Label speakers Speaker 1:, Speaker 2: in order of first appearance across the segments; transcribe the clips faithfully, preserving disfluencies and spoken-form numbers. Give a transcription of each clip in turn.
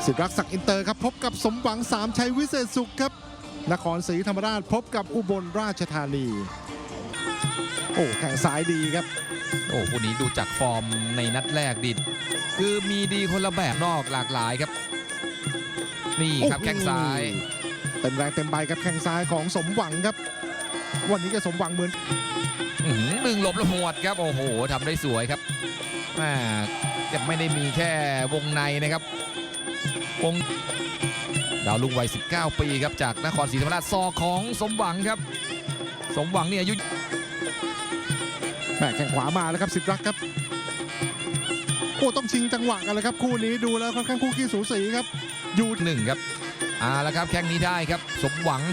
Speaker 1: ศิรักษ์ศักดิ์อินเตอร์ครับพบกับสมหวังสามชัยวิเศษสุขครับนครศรีธรรมราชพบกับอุบลราชธานีโอ้แข่งซ้ายดีครับ
Speaker 2: โอ้คู่นี้ดูจากฟอร์มในนัดแรกดิคือมีดีคนละแบบนอกหลากหลายครับนี่ครับแข้งซ้าย
Speaker 1: เต็มแรงเต็มใบครับแข้งซ้ายของสมหวังครับวันนี้ก็สมหวังเหมือน
Speaker 2: ดึงหลบละหวดครับโอ้โหทำได้สวยครับอ่าจะไม่ได้มีแค่วงในนะครับวงดาวลุงวัยสิบเก้าปีครับจากนครศรีธรรมราชซอกของสมหวังครับสมหวังเนี่ยอายุ
Speaker 1: แม่แข้งขวามาแล้วครับศิรักษ์ครับโอ้ต้องชิงจังหวะกันเลยครับคู่นี้ดูแล้วค่อนข้างคู่ขี้สูสีครับ
Speaker 2: อยู่หนึ่งครับอ่าแล้วครับแข้งนี้ได้ครับสมหวัง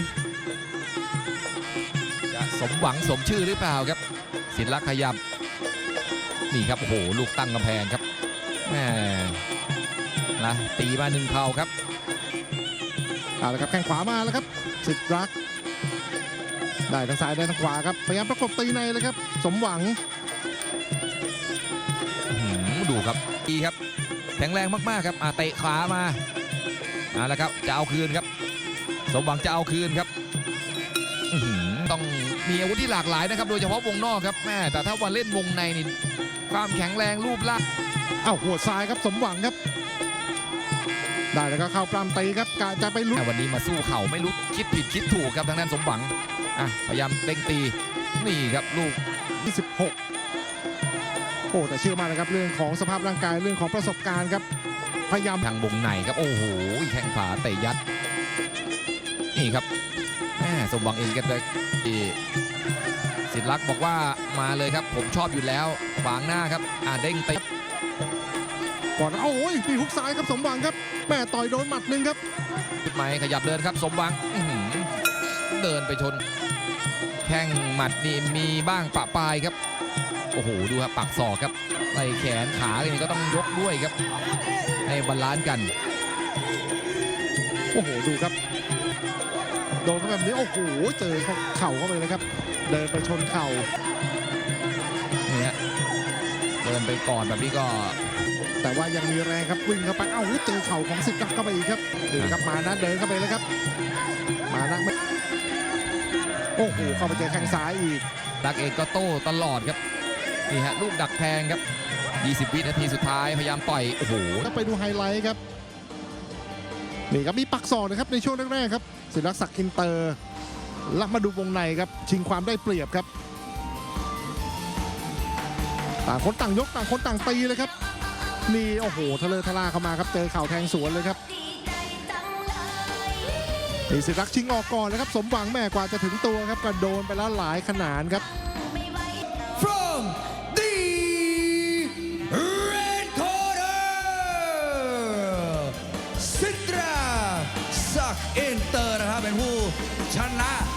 Speaker 2: จะสมหวังสมชื่อหรือเปล่าครับศิรักษ์ขยับนี่ครับโอ้โหลูกตั้งกำแพงครับแหมนะตีมาหนึ่งเข่าครับ
Speaker 1: เอาละครับแข้งขวามาแล้วครับศิรักษ์ได้ทางซ้ายได้ทางขวาครับพยายามประกบตีในเลยครับสมหวัง
Speaker 2: ดูครับดีครับแข็งแรงมากๆครับเตะขามาเอาละครับจะเอาคืนครับสมหวังจะเอาคืนครับต้องมีอาวุธที่หลากหลายนะครับโดยเฉพาะวงนอกครับแม่แต่ถ้าวันเล่นวงในนี่ความแข็งแรงรูปร่าง
Speaker 1: เอ้าหัวซ้ายครับสมหวังครับได้แล้วก็เข้าปล้ำตีครับกะจะไปลุ้น
Speaker 2: วันนี้มาสู้เข่าไม่รู้คิดผิดคิดถูกครับทางด้านสมหวังอ่ะพยายามเด้งตีนี่ครับลูก
Speaker 1: ที่สิบหกโอ้แต่เชื่อมากนะครับเรื่องของสภาพร่างกายเรื่องของประสบการณ์ครับพยายาม
Speaker 2: ทางวงในครับโอ้โหแข้งขวาเตะยัดนี่ครับแม่สมหวังเองกันเลยศิรักษ์บอกว่ามาเลยครับผมชอบอยู่แล้วขวางหน้าครับอ่าเด้งตี
Speaker 1: ก่อนโอ้ยมีฮุกซ้ายครับสมหวังครับแม่ต่อยโดนหมัดหนึ่งครับ
Speaker 2: จุดหมายขยับเดินครับสมหวังเดินไปชนแข้งหมัดนี่มีบ้างปะปลายครับโอ้โหดูครับปักศอกครับไหล่แขนขานี่ก็ต้องยกด้วยครับให้บาลานซ์กัน
Speaker 1: โอ้โหดูครับโดนแบบนี้โอ้โหเจอเข่าเข้าไปเลยครับเดินไปชนเข่า
Speaker 2: เนี่ยเดินไปก่อนแบบนี้ก็
Speaker 1: แต่ว่ายังมีแรงครับวิ่งเข้าไปเอ้าเจอเข่าของศิรักษ์เข้าไปอีกครับดูครับมานะเดินเข้าไปเลยครับมานะไม่โอ้โหเข้าไปเจอแข้งซ้ายอีก
Speaker 2: ดักเองก็โต้ตลอดครับนี่ฮะลูกดักแทงครับยี่สิบวินาทีสุดท้ายพยายามต่อยโอ้โห
Speaker 1: ไปดูไฮไลท์ครับนี่ครับมีปักศอกนะครับในช่วงแรกๆครับศิรักษ์ศักดิ์อินเตอร์ลักมาดูวงในครับชิงความได้เปรียบครับต่างคนต่างยกต่างคนต่างตีเลยครับนี่โอ้โหทะเลทะลาเข้ามาครับเจอเข่าแทงสวนเลยครับนี่ศิรักษ์ชิงออกก่อนนะครับสมหวังแม่กว่าจะถึงตัวครับก็โดนไปแล้วหลายขนาดครับ
Speaker 3: from the red corner ศิรักษ์ศักดิ์อินเตอร์นะครับเป็นผู้ชนะ